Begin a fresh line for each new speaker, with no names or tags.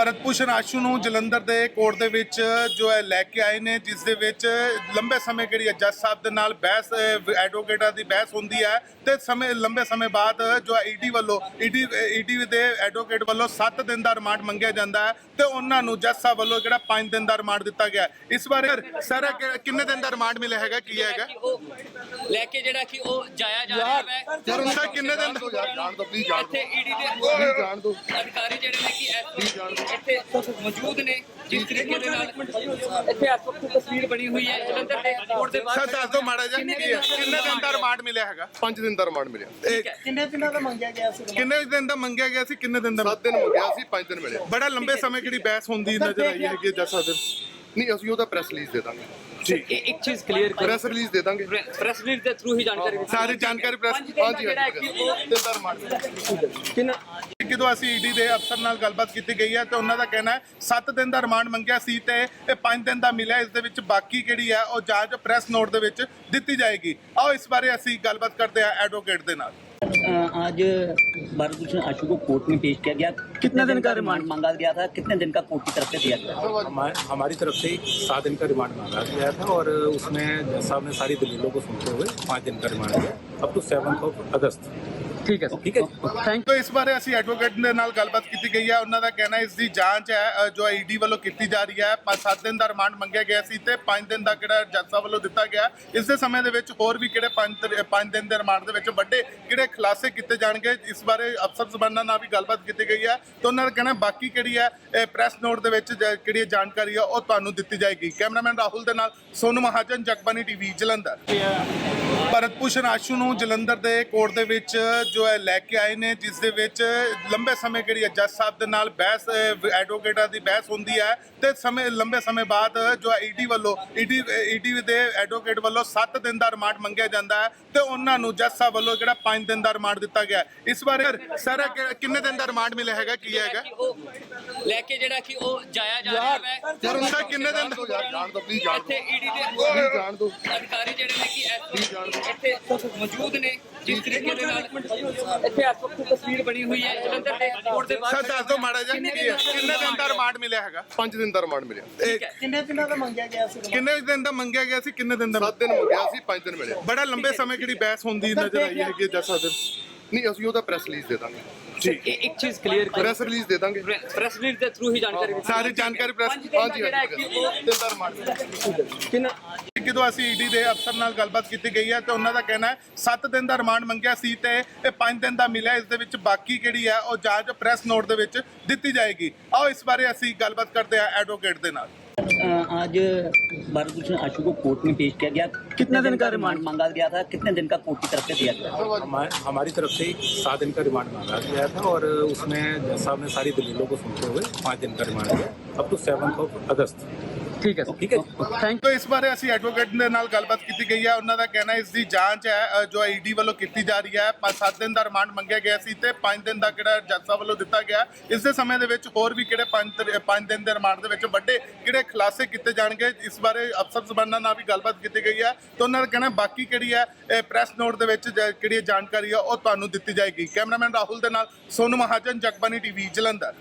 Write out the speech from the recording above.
ਭਰਤ ਭੂਸ਼ਣ ਆਸ਼ੂ ਨੂੰ ਜਲੰਧਰ ਦੇ ਕੋਰਟ ਦੇ ਵਿੱਚ ਜੋ ਹੈ ਲੈ ਕੇ ਆਏ ਨੇ, ਜਿਸ ਦੇ ਵਿੱਚ ਲੰਬੇ ਸਮੇਂ ਜਿਹੜੀ ਹੈ ਜੱਜ ਸਾਹਿਬ ਦੇ ਨਾਲ ਬਹਿਸ ਐਡਵੋਕੇਟਾਂ ਦੀ ਬਹਿਸ ਹੁੰਦੀ ਹੈ ਤੇ ਲੰਬੇ ਸਮੇਂ ਬਾਅਦ ਜੋ ਹੈ ਈਡੀ ਦੇ ਐਡਵੋਕੇਟ ਵੱਲੋਂ 7 ਦਿਨ ਦਾ ਰਿਮਾਂਡ ਮੰਗਿਆ ਜਾਂਦਾ ਹੈ ਤੇ ਉਹਨਾਂ ਨੂੰ ਜੱਜ ਸਾਹਿਬ ਵੱਲੋਂ ਜਿਹੜਾ 5 ਦਿਨ ਦਾ ਰਿਮਾਂਡ ਦਿੱਤਾ ਗਿਆ। ਇਸ ਬਾਰੇ ਸਰ ਕਿੰਨੇ ਦਿਨ ਦਾ ਰਿਮਾਂਡ ਮਿਲਿਆ ਹੈਗਾ, ਕੀ ਹੈਗਾ
ਲੈ ਕੇ ਜਿਹੜਾ ਕਿ ਉਹ ਜਾਇਆ ਜਾ ਰਿਹਾ ਹੈ
ਸਰ? ਸਰ ਕਿੰਨੇ ਦਿਨ
ਜਾਣ ਦੋ ਪਲੀਜ਼ ਜਾਣ
ਇੱਥੇ ਈਡੀ ਦੇ
ਜਾਣ ਦੋ
ਅਧਿਕਾਰੀ ਜਿਹੜੇ ਨੇ ਕਿ ਇੱਥੇ ਮੌਜੂਦ ਨੇ, ਜਿਸ ਤਰੀਕੇ ਦੇ ਨਾਲ ਇੱਥੇ ਇਸ ਵਕਤ ਤਸਵੀਰ ਬਣੀ ਹੋਈ ਹੈ ਜਲੰਧਰ ਦੇ ਕੋਰਟ ਦੇ
ਸਰ
ਬਾਹਰ।
ਦੱਸ ਦਿਓ ਮਾੜਾ ਜਿਹਾ ਕਿੰਨੇ ਦਿਨ ਦਾ ਰਿਮਾਂਡ ਮਿਲਿਆ ਹੈਗਾ?
5 ਦਿਨ ਦਾ ਰਿਮਾਂਡ ਮਿਲਿਆ।
ਕਿੰਨੇ ਦਿਨਾਂ ਦਾ ਮੰਗਿਆ ਗਿਆ ਸੀ?
ਕਿੰਨੇ ਦਿਨ ਦਾ ਮੰਗਿਆ ਗਿਆ ਸੀ, ਕਿੰਨੇ ਦਿਨ ਦਾ?
7 ਦਿਨ ਮੰਗਿਆ ਸੀ, 5 ਦਿਨ ਮਿਲਿਆ।
ਬੜਾ ਲੰਬੇ ਸਮੇਂ ਜਿਹੜੀ ਬਹਿਸ ਹੁੰਦੀ ਨਜ਼ਰ ਆਈ ਹੈਗੀ ਜੱਜ ਸਾਹਿਬ ਦੇ।
ਨਹੀਂ ਅਸੀਂ ਉਹਦਾ ਪ੍ਰੈਸ ਰਿਲੀਜ਼ ਦੇ ਦਾਂਗੇ।
ਇੱਕ ਚੀਜ਼ ਕਲੀਅਰ ਕਰੋ,
ਪ੍ਰੈਸ ਰਿਲੀਜ਼ ਦੇ ਦਾਂਗੇ।
ਪ੍ਰੈਸ ਰਿਲੀਜ਼ ਦੇ ਥਰੂ ਹੀ ਜਾਣਕਾਰੀ
ਸਾਰੀ ਜਾਣਕਾਰੀ ਪ੍ਰੈਸ
ਹਾਂਜੀ
ਜਿਹੜਾ ਕਿ ਉਹ
3 ਦਾ ਰਿਮਾਂਡ
ਜਦੋਂ ਅਸੀਂ ਈਡੀ ਦੇ ਅਫਸਰ ਨਾਲ ਗੱਲਬਾਤ ਕੀਤੀ ਗਈ ਹੈ ਤੇ ਉਹਨਾਂ ਦਾ ਕਹਿਣਾ ਹੈ 7 ਦਿਨ ਦਾ ਰਿਮਾਂਡ ਮੰਗਿਆ ਸੀ ਤੇ ਇਹ 5 ਦਿਨ ਦਾ ਮਿਲਿਆ। ਇਸ ਦੇ ਵਿੱਚ ਬਾਕੀ ਜਿਹੜੀ ਹੈ ਉਹ ਜਾਂਚ ਪ੍ਰੈਸ ਨੋਟ ਦੇ ਵਿੱਚ ਦਿੱਤੀ ਜਾਏਗੀ। ਆਓ ਇਸ ਬਾਰੇ ਅਸੀਂ ਗੱਲਬਾਤ ਕਰਦੇ ਹਾਂ ਐਡਵੋਕੇਟ ਦੇ ਨਾਲ।
आज भरत भूषण आशु को कोर्ट में पेश किया गया। कितने दिन का रिमांड मांगा गया था, कितने दिन का कोर्ट की तरफ से दिया गया?
हमारी तरफ से 7 दिन का रिमांड मांगा गया था और उसमें जज साहब ने सारी दलीलों को सुनते हुए 5 दिन का रिमांड दिया अप टू 7 अगस्त।
ਠੀਕ ਹੈ
ਥੈਂਕ ਯੂ। ਇਸ ਬਾਰੇ ਅਸੀਂ ਐਡਵੋਕੇਟ ਦੇ ਨਾਲ ਗੱਲਬਾਤ ਕੀਤੀ ਗਈ ਹੈ। ਉਹਨਾਂ ਦਾ ਕਹਿਣਾ ਇਸ ਦੀ ਜਾਂਚ ਹੈ ਜੋ ਈਡੀ ਵੱਲੋਂ ਕੀਤੀ ਜਾ ਰਹੀ ਹੈ। 7 ਦਿਨ ਦਾ ਰਿਮਾਂਡ ਮੰਗਿਆ ਗਿਆ ਸੀ ਤੇ 5 ਦਿਨ ਦਾ ਕਿਹੜਾ ਜੱਜ ਸਾਹਿਬ ਵੱਲੋਂ ਦਿੱਤਾ ਗਿਆ। ਇਸ ਦੇ ਸਮੇਂ ਦੇ ਵਿੱਚ ਹੋਰ ਵੀ ਕਿਹੜੇ 5 ਦਿਨ ਦੇ ਰਿਮਾਂਡ ਦੇ ਵਿੱਚ ਵੱਡੇ ਕਿਹੜੇ ਖੁਲਾਸੇ ਕੀਤੇ ਜਾਣਗੇ, ਇਸ ਬਾਰੇ ਅਫਸਰ ਜ਼ਬਾਨਾਂ ਨਾਲ ਵੀ ਗੱਲਬਾਤ ਕੀਤੀ ਗਈ ਹੈ ਤੇ ਉਹਨਾਂ ਦਾ ਕਹਿਣਾ ਬਾਕੀ ਕਿਹੜੀ ਹੈ ਪ੍ਰੈਸ ਨੋਟ ਦੇ ਵਿੱਚ ਕਿਹੜੀ ਜਾਣਕਾਰੀ ਹੈ ਉਹ ਤੁਹਾਨੂੰ ਦਿੱਤੀ ਜਾਏਗੀ। ਕੈਮਰਾਮੈਨ ਰਾਹੁਲ ਦੇ ਨਾਲ ਸੋਨੂ ਮਹਾਜਨ, ਜਗਬਾਨੀ ਟੀਵੀ, ਜਲੰਧਰ। ਭਰਤ ਭੂਸ਼ਣ ਆਸ਼ੂ ਨੂੰ ਜਲੰਧਰ ਦੇ ਕੋਰਟ ਦੇ ਵਿੱਚ ਜੋ ਹੈ ਲੈ ਕੇ ਆਏ ਨੇ, ਜਿਸ ਦੇ ਵਿੱਚ ਲੰਬੇ ਸਮੇਂ ਜਿਹੜੀ ਹੈ ਜੱਜ ਸਾਹਿਬ ਦੇ ਨਾਲ ਬਹਿਸ ਐਡਵੋਕੇਟਾਂ ਦੀ ਬਹਿਸ ਹੁੰਦੀ ਹੈ ਤੇ ਲੰਬੇ ਸਮੇਂ ਬਾਅਦ ਜੋ ਹੈ ਈਡੀ ਦੇ ਐਡਵੋਕੇਟ ਵੱਲੋਂ 7 ਦਿਨ ਦਾ ਰਿਮਾਂਡ ਮੰਗਿਆ ਜਾਂਦਾ ਹੈ ਤੇ ਉਹਨਾਂ ਨੂੰ ਜੱਜ ਸਾਹਿਬ ਵੱਲੋਂ ਜਿਹੜਾ 5 ਦਿਨ ਦਾ ਰਿਮਾਂਡ ਦਿੱਤਾ ਗਿਆ। ਇਸ ਬਾਰੇ ਸਰ ਕਿੰਨੇ ਦਿਨ ਦਾ ਰਿਮਾਂਡ ਮਿਲਿਆ ਹੈਗਾ, ਕੀ ਹੈਗਾ
ਲੈ ਕੇ ਜਿਹੜਾ ਕਿ ਉਹ ਜਾਇਆ ਜਾ ਰਿਹਾ ਹੈ
ਸਰ? ਕਿੰਨੇ ਦਿਨ
ਜਾਣ ਦੋ ਪਲੀਜ਼ ਜਾਣ
ਇੱਥੇ ਈਡੀ ਦੇ
ਜਾਣ ਦੋ
ਅਧਿਕਾਰੀ ਜਿਹੜੇ ਨੇ ਕਿ ਇੱਥੇ ਮੌਜੂਦ ਨੇ, ਜਿਸ ਤਰੀਕੇ ਦੇ ਨਾਲ ਇੱਥੇ ਇਸ ਵਕਤ ਤਸਵੀਰ ਬਣੀ ਹੋਈ ਹੈ ਜਲੰਧਰ ਦੇ ਕੋਰਟ ਦੇ ਬਾਹਰ।
ਸਰ ਦੱਸ ਦਿਓ ਮਾੜਾ ਜਿਹਾ ਕਿੰਨੇ ਦਿਨ ਦਾ ਰਿਮਾਂਡ ਮਿਲਿਆ ਹੈਗਾ?
5 ਦਿਨ ਦਾ ਰਿਮਾਂਡ ਮਿਲਿਆ।
ਕਿੰਨੇ ਦਿਨਾਂ ਦਾ ਮੰਗਿਆ ਗਿਆ ਸੀ?
ਕਿੰਨੇ ਦਿਨ ਦਾ ਮੰਗਿਆ ਗਿਆ ਸੀ, ਕਿੰਨੇ ਦਿਨ ਦਾ?
7 ਦਿਨ ਮੰਗਿਆ ਸੀ, 5 ਦਿਨ ਮਿਲਿਆ।
ਬੜਾ ਲੰਬੇ ਸਮੇਂ ਜਿਹੜੀ ਬਹਿਸ ਹੁੰਦੀ ਨਜ਼ਰ ਆਈ ਹੈਗੀ ਜੱਜ ਸਾਹਿਬ ਦੇ।
ਨਹੀਂ ਅਸੀਂ ਉਹਦਾ ਪ੍ਰੈਸ ਰਿਲੀਜ਼ ਦੇ ਦਾਂਗੇ।
ਇੱਕ ਚੀਜ਼ ਕਲੀਅਰ ਕਰੋ,
ਪ੍ਰੈਸ ਰਿਲੀਜ਼ ਦੇ ਦਾਂਗੇ।
ਪ੍ਰੈਸ ਰਿਲੀਜ਼ ਦੇ ਥਰੂ ਹੀ ਜਾਣਕਾਰੀ
ਸਾਰੀ ਜਾਣਕਾਰੀ ਪ੍ਰੈਸ
ਹਾਂਜੀ 3 ਦਾ ਰਿਮਾਂਡ
ਜਦੋਂ ਅਸੀਂ ਈਡੀ ਦੇ ਅਫਸਰ ਨਾਲ ਗੱਲਬਾਤ ਕੀਤੀ ਗਈ ਹੈ ਤੇ ਉਹਨਾਂ ਦਾ ਕਹਿਣਾ ਹੈ 7 ਦਿਨ ਦਾ ਰਿਮਾਂਡ ਮੰਗਿਆ ਸੀ ਤੇ ਇਹ 5 ਦਿਨ ਦਾ ਮਿਲਿਆ। ਇਸ ਦੇ ਵਿੱਚ ਬਾਕੀ ਕਿਹੜੀ ਹੈ ਉਹ ਜਾਂਚ ਪ੍ਰੈਸ ਨੋਟ ਦੇ ਵਿੱਚ ਦਿੱਤੀ ਜਾਏਗੀ। ਆਓ ਇਸ ਬਾਰੇ ਅਸੀਂ ਗੱਲਬਾਤ ਕਰਦੇ ਹਾਂ ਐਡਵੋਕੇਟ ਦੇ ਨਾਲ।
आज भरत भूषण आशु को कोर्ट में पेश किया गया। कितने दिन का रिमांड मांगा गया था, कितने दिन का कोर्ट की तरफ से दिया गया?
हमारी तरफ से 7 दिन का रिमांड मांगा गया था और उसमें जज साहब ने सारी दलीलों को सुनते हुए 5 दिन का रिमांड दिया अप टू 7 अगस्त।
ਠੀਕ ਹੈ
ਥੈਂਕ ਯੂ। ਇਸ ਬਾਰੇ ਅਸੀਂ ਐਡਵੋਕੇਟ ਦੇ ਨਾਲ ਗੱਲਬਾਤ ਕੀਤੀ ਗਈ ਹੈ। ਉਹਨਾਂ ਦਾ ਕਹਿਣਾ ਇਸ ਦੀ ਜਾਂਚ ਹੈ ਜੋ ਈਡੀ ਵੱਲੋਂ ਕੀਤੀ ਜਾ ਰਹੀ ਹੈ। 7 ਦਿਨ ਦਾ ਰਿਮਾਂਡ ਮੰਗਿਆ ਗਿਆ ਸੀ ਤੇ 5 ਦਿਨ ਦਾ ਕਿਹੜਾ ਜੱਜ ਸਾਹਿਬ ਵੱਲੋਂ ਦਿੱਤਾ ਗਿਆ। ਇਸ ਦੇ ਸਮੇਂ ਦੇ ਵਿੱਚ ਹੋਰ ਵੀ ਕਿਹੜੇ 5 ਦਿਨ ਦੇ ਰਿਮਾਂਡ ਦੇ ਵਿੱਚ ਵੱਡੇ ਕਿਹੜੇ ਖੁਲਾਸੇ ਕੀਤੇ ਜਾਣਗੇ, ਇਸ ਬਾਰੇ ਅਫਸਰ ਜ਼ਬਾਨਾਂ ਨਾਲ ਵੀ ਗੱਲਬਾਤ ਕੀਤੀ ਗਈ ਹੈ ਤੇ ਉਹਨਾਂ ਦਾ ਕਹਿਣਾ ਬਾਕੀ ਕਿਹੜੀ ਹੈ ਪ੍ਰੈਸ ਨੋਟ ਦੇ ਵਿੱਚ ਕਿਹੜੀ ਜਾਣਕਾਰੀ ਹੈ ਉਹ ਤੁਹਾਨੂੰ ਦਿੱਤੀ ਜਾਏਗੀ। ਕੈਮਰਾਮੈਨ ਰਾਹੁਲ ਦੇ ਨਾਲ ਸੋਨੂ ਮਹਾਜਨ, ਜਗਬਾਨੀ ਟੀਵੀ, ਜਲੰਧਰ।